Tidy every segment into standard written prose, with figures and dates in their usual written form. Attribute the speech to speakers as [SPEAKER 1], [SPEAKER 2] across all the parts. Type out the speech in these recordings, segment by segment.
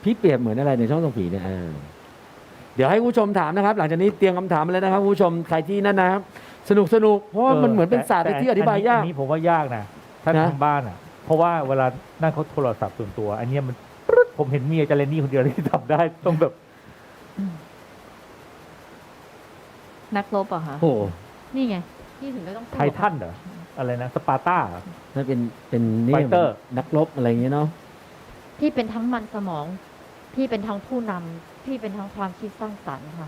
[SPEAKER 1] พี่เปรียบเหมือนอะไรในช่องส่องผีเนี่ยเดี๋ยวให้ผู้ชมถามนะครับ หลังจากนี้เตรียมคำถามมาเลยนะครับผู้ชมใครที่นั่นนะครับสนุกเพราะว่ามันเหมือนเป็นศาสตร์ที่อธิบายยาก
[SPEAKER 2] อันนี้ผมว่ายากนะถ้าทางบ้านอ่ะ เพราะว่าเวลานั่งเขาโทรศัพท์ส่วนตัว อันนี้มันผมเห็นมีอาจารย์เรนนี่คนเดียวที่ทำได้ต้องแบบ
[SPEAKER 3] นักรบเหรอะคะ
[SPEAKER 1] โอ้
[SPEAKER 3] นี่ไงพี่ถึงได้ต้อง
[SPEAKER 2] ไททันเหรออะไรนะสปาร์ต้า
[SPEAKER 1] ถ้าเป็นนี่
[SPEAKER 2] ไฟเตอร์
[SPEAKER 1] นักรบอะไรอย่างเงี้ยเนาะ
[SPEAKER 3] พี่เป็นทั้งมันสมอง พี่เป็นทั้งผู้นำพี่เป็นทั้งความคิดสร้างสรรค์ค่ะ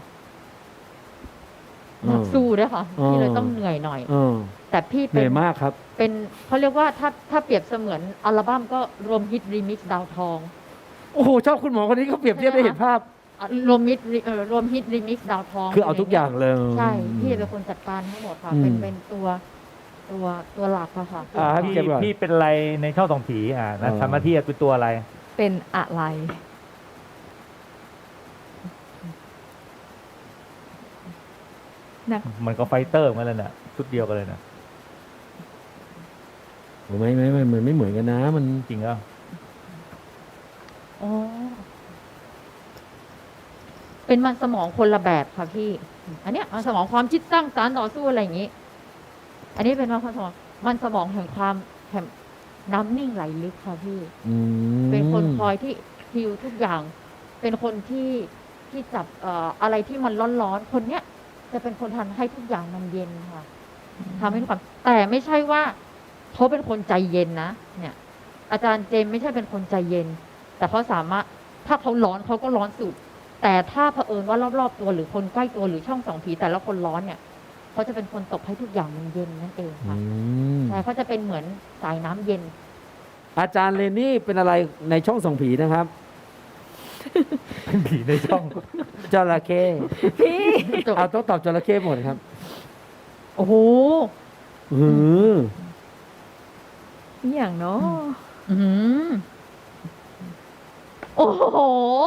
[SPEAKER 3] นักสู้ด้วยค่ะพี่เลยต้องเหนื่อยหน่อยแต่พี่
[SPEAKER 1] เหนื่อยมากครับ
[SPEAKER 3] เป็นเขาเรียกว่าถ้าเปรียบเสมือนอัลบั้มก็รวมฮิตรีมิกซ์ดาวทอง
[SPEAKER 1] โอ้โหชอบคุณหมอคนนี้เขาเปรียบเทียบได้เห็นภาพ
[SPEAKER 3] รวมฮิตรีมิกซ์ดาวทอง
[SPEAKER 1] คือเอาทุกอย่างเลย
[SPEAKER 3] ใช่พี่เป็นคนจัดการทั้งหมดค่ะเป็นตัวหลักอะค่ะ
[SPEAKER 2] พี่เป็นอะไรในช่องส่องผีนะทำหน้าที่คือตัวอะไร
[SPEAKER 4] เป็นอะไรนัก
[SPEAKER 2] มันก็ไฟเตอร์เหมือนกันเลยนะชุดเดียวกันเลยนะ
[SPEAKER 1] ไม่มันไม่เหมือนกันนะ มัน
[SPEAKER 2] จริงอ่ะ
[SPEAKER 3] อ๋อเป็นมันสมองคนละแบบค่ะพี่ อันเนี้ยมันสมองความคิดสร้างสรรค์ต่อสู้อะไรอย่างนี้ อันนี้เป็นมันสมองแห่งความแห่งน้ำนิ่งไหลลึกค่ะพี่ เป็นคนคอยที่ฮิวทุกอย่าง เป็นคนที่จับอะไรที่มันร้อนๆคนเนี้ยจะเป็นคนทำให้ทุกอย่างมันเย็นค่ะทำให้ทุกความแต่ไม่ใช่ว่าเขาเป็นคนใจเย็นนะเนี่ย อาจารย์เจมไม่ใช่เป็นคนใจเย็น แต่เขาสามารถถ้าเขาร้อนเขาก็ร้อนสุด แต่ถ้าเผอิญว่ารอบๆตัวหรือคนใกล้ตัวหรือช่องส่องผีแต่ละคนร้อนเนี่ยเขาจะเป็นคนตบให้ทุกอย่างมันเย็นนั่นเองค่ะใช่เขาจะเป็นเหมือนสายน้ำเย็น
[SPEAKER 1] อาจารย์เรนนี่เป็นอะไรในช่องส่องผีนะครับ
[SPEAKER 2] เป็นผีในช่อง
[SPEAKER 1] จระเข้
[SPEAKER 4] พี่
[SPEAKER 1] เอาต้องตอบจระเข้หมดครับ
[SPEAKER 3] โอ้โห
[SPEAKER 1] หือ
[SPEAKER 4] อย่างเนาะ
[SPEAKER 3] อื้อหือโอ้โห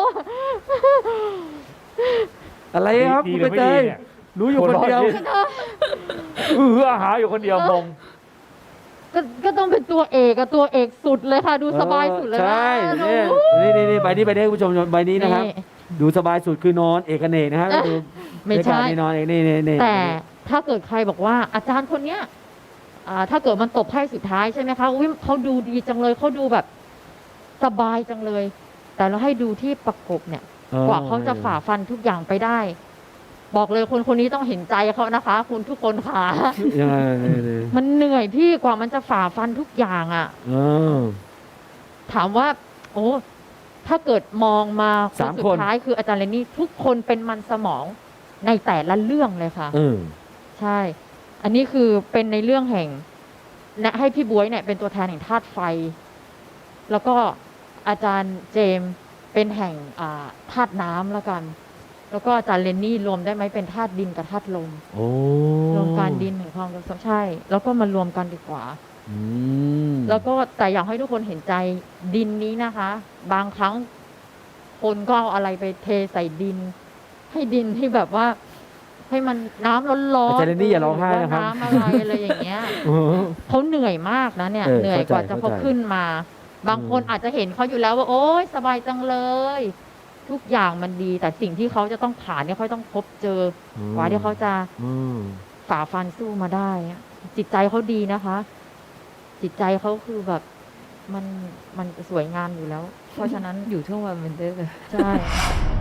[SPEAKER 1] อะไรครับ
[SPEAKER 2] ดี
[SPEAKER 1] คุณ
[SPEAKER 2] หรื
[SPEAKER 1] ใบ
[SPEAKER 2] อไม่
[SPEAKER 1] เต
[SPEAKER 2] ดี
[SPEAKER 1] ย
[SPEAKER 2] เนี่ย
[SPEAKER 1] รู้อยู่คนเดียว
[SPEAKER 2] อาหาอยู่คนเดียวงง
[SPEAKER 3] ก็ต้องเป็นตัวเอกอะตัวเอกสุดเลยค่ะ ดูสบายสุดเลยนะ
[SPEAKER 1] ใช่
[SPEAKER 3] ดู
[SPEAKER 1] นี่ใบนี้ให้คุณผู้ชมใบนี้นะครับ ดูสบายสุดคือนอนเอกเนกนะฮะดู
[SPEAKER 3] ไม่ใช่
[SPEAKER 1] ในการนอนเอกนี่
[SPEAKER 3] แต่ถ้าเกิดใครบอกว่าอาจารย์คนเนี้ยถ้าเกิดมันตบไพ่สุดท้ายใช่ไหมคะอุ๊ยเขาดูดีจังเลยเขาดูแบบสบายจังเลย แต่เราให้ดูที่ประกบเนี่ย กว่าเขาจะฝ่าฟันทุกอย่างไปได้ บอกเลยคนนี้ต้องเห็นใจเขานะคะ คุณทุกคนค่ะ
[SPEAKER 1] ยังไง
[SPEAKER 3] มันเหนื่อยพี่กว่ามันจะฝ่าฟันทุกอย่างอ่ะ ถามว่า โอ้ถ้าเกิดมองมาคนสุดท้ายคืออาจารย์เรนนี่ทุกคนเป็นมันสมองในแต่ละเรื่องเลยค่ะใช่ อันนี้คือเป็นในเรื่องแห่งนะให้พี่บ๊วยเนี่ยเป็นตัวแทนแห่งธาตุไฟ แล้วก็อาจารย์เจมส์เป็นแห่งธาตุน้ำแล้วกัน แล้วก็อาจารย์เรนนี่รวมได้ไหมเป็นธาตุดินกับธาตุลมรวมการดินแห่งความรักใช่ แล้วก็มารวมกันดีกว่าแล้วก็แต่อยากให้ทุกคนเห็นใจดินนี้นะคะ บางครั้งคนก็เอาอะไรไปเทใส่ดิน ให้ดินที่แบบว่า ให้มันน้ำร้อนๆ
[SPEAKER 1] อาจารย์เรนนี่อย่าร้องไห้นะครับ
[SPEAKER 3] น้ำอะไรอย่างเงี้ยเขาเหนื่อยมากนะเนี่ยเหนื่อยกว่าจะเขาขึ้นมา บางคนอาจจะเห็นเขาอยู่แล้วว่าโอ๊ยสบายจังเลย ทุกอย่างมันดี แต่สิ่งที่เขาจะต้องผ่านเนี่ยเขาต้องพบเจอกว่าที่เขาจะฝ่าฟันสู้มาได้จิตใจเขาดีนะคะ จิตใจเขาคือแบบมันสวยงามอยู่แล้ว เพราะฉะนั้น
[SPEAKER 4] อยู่ทั่ววันเป็นเด้อ
[SPEAKER 3] ใช่